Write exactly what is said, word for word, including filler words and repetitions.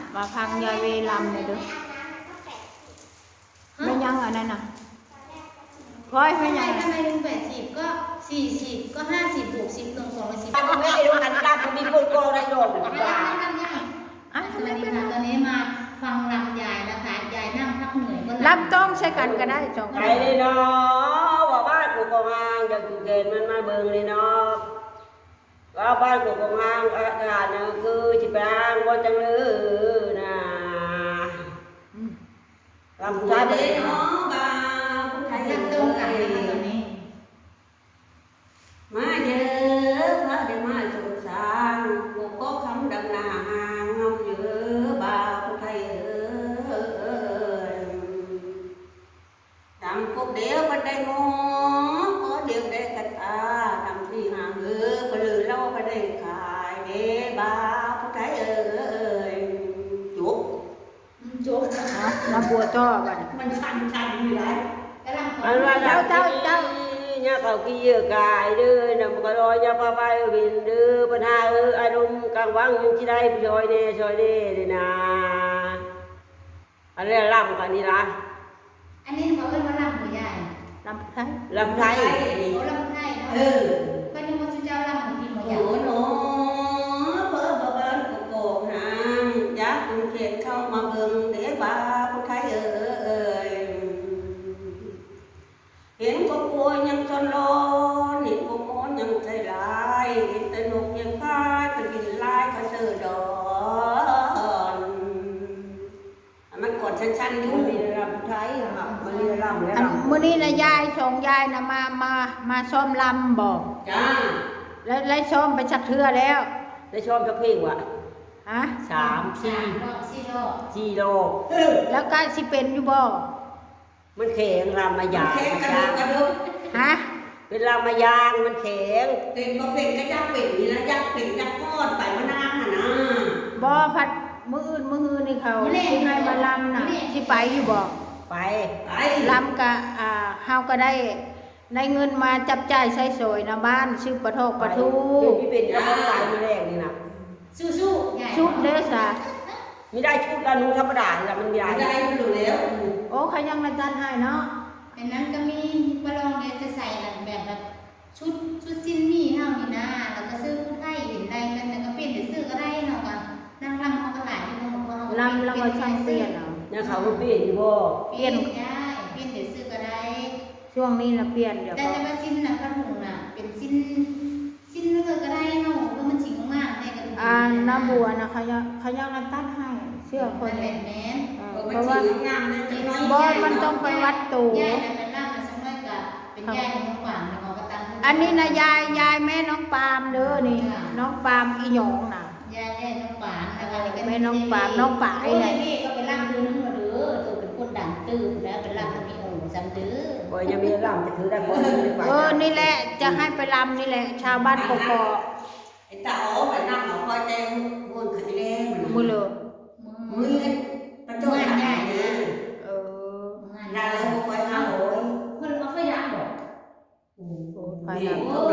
มาพังยายเวลำเลยเด้อไม่ยังอันนั้นน่ะร้อยไม่ยังทำไมลุงแปดสิบก็สี่สิบก็ห้าสิบหกสิบลงสองร้อยสิบไม่ได้รู้กันรับมีคนโกงได้โดนไม่ได้ไม่ทำยังอ่ะสวัสดีค่ะตอนนี้มาฟังลำยายนะคะยายนั่งพักเหนื่อยก็ลำต้องใช้กันก็ได้จองไปเลยเนาะว่าบ้านกูกองหางจะกูเกณฑ์มันมาเบิ่งเลยเนาะว่าบ้านกูกองหางอาหารเนี่ยคือจิบางว่าจังเลยนะลำท้ายเด้เนาะบ้าผู้ไทยนั่งตรงกันนะคะตอนนี้มาเยอะพระเดมาสงสารกูก็คำดำนาหางเงาเยอะบ้าผู้ไทยเออทำกุกเดียวมันได้งอcó điều để cắt à làm gì hàng ngư có lừa lâu có để khải để ba có cái ơi chuột โจ๊กมาบัวจ่อกัน mình xanh xanh như đấy กำลังขอ anh là cháu cháu cháu nhà cầu kia cài đưa nằm có đôi nhà ba bay bình đưa bên hai ư ai đúng càng vắng nhưng chỉ đây rồi nè rồi nè đây nè anh là làm cái gì là อันนี้เขาเรียกว่าลำหัวยายลำไทย làm thay โอ้ลำไทยเนาะ ừ ก็นึกว่าชุดเจ้าลำของพี่หัวยาย Ủa nó bớ bớ bớ của cột hàng giá cũng thiệt không mà mừng để ba cô thấy ơi hiện có cua nhân son lo hiện có món nhân xây lại hiện tên nộp nhân khai phải nhìn lại phải sờ đònมันกดชั้นๆอยู่มีลำไทยครับมันมีลำแล้วอันมื้อนี้นะยายส่งยายนะมามามาซ้อมลำบอกจ้าแล้วไล่ซ้อมไปชักเทือแล้วได้ชอบจะเพลงวะฮะสามสี่สามรอบสี่รอบจีโลแล้วก็สิเป็นอยู่บ่มันแข็งรำมายางแข็งกระดูกกระดูกฮะเป็นรำมายางมันแข็งเป็นก็เป็นก็ยักเป็นนี่นะยักเป็นยักก้อนไปมานานน่ะนะบ่พัดมื้ออื่นมื้อฮือนี่เขาสิให้มาลำน่ะสิไปอยู่บ่ไปไปลำก็อ่าเฮาก็ได้ได้เงินมาจับจ่ายใช้สอยนะบ้านซื้อปลาทอกปลาทูเป็นพี่เป็นเจ้าของไปมาแรกนี่นะสู้ๆยายชุดเด้อซะไม่ได้ชุดละนุ่งธรรมดาละมันใหญ่ได้ไม่รู้แล้วโอ้เขายังมาจัดให้เนาะอันนั้นก็มีปลองเดี๋ยวจะใส่แบบแบบชุดชุดสิ้นนี่เท่านี้นะแล้วก็ซื้อผู้ไทยเห็นได้กันแต่ก็เปลี่ยนเดี๋ยวซื้อก็ได้เนาะก็นั่งลำเขาก็หลายที่เขาบอกว่าลำแล้วก็ช่างเปลี่ยนเอาเนี่ยเขาก็เปลี่ยนอยู่บ่เปลี่ยนได้เปลี่ยนเดี๋ยวซื้อก็ได้ช่วงนี้นะเปลี่ยนเดี๋ยวแต่ก็จะมาสิ้นนะกระถุงน่ะเป็นสิ้นสิ้นแล้วก็ได้เนาะเพราะมันฉิงมากๆในกระถุงอ่าน้าบัวนะเขายังเขายังมาตัดให้เชื่อคนแบเลยบแม่นเออเพเพราะราะว่าว่างามเลยจังน้อยบอสมันต้องไปวัดตูยายน่ะเป็นร่างมันสักหน่อยกับเป็นยายของน้องหวานแล้วก็ตั้งอันนี้นะยายยายแม่น้องปาล์มเด้อนี่ น้องปาล์มอีหยองน่ะยายแม่น้องหวานนะคะนี่ก็แม่น้องปาล์มน้องปายไอ้น่ะนี่ก็เป็นร่างตัวนึงมาเด้อตัวเป็นคนดังตื่นแล้วเป็นร่างตัวมีองค์จำเด้อบ่ยังมีลำจะถือได้บ่ได้ไปเออนี่แหละจะให้ไปรำนี่แหละ ชาวบ้านกกอกไอ้ตาอ๋อไปนั่งเอาคอยแตงคนไข่แดงมันมือเลยมือประตูใหญ่นะเออนั่นแล้วก็คอยหาโอยคนเอาไฟดับบ่โอ้ไฟนี่ดับโอ้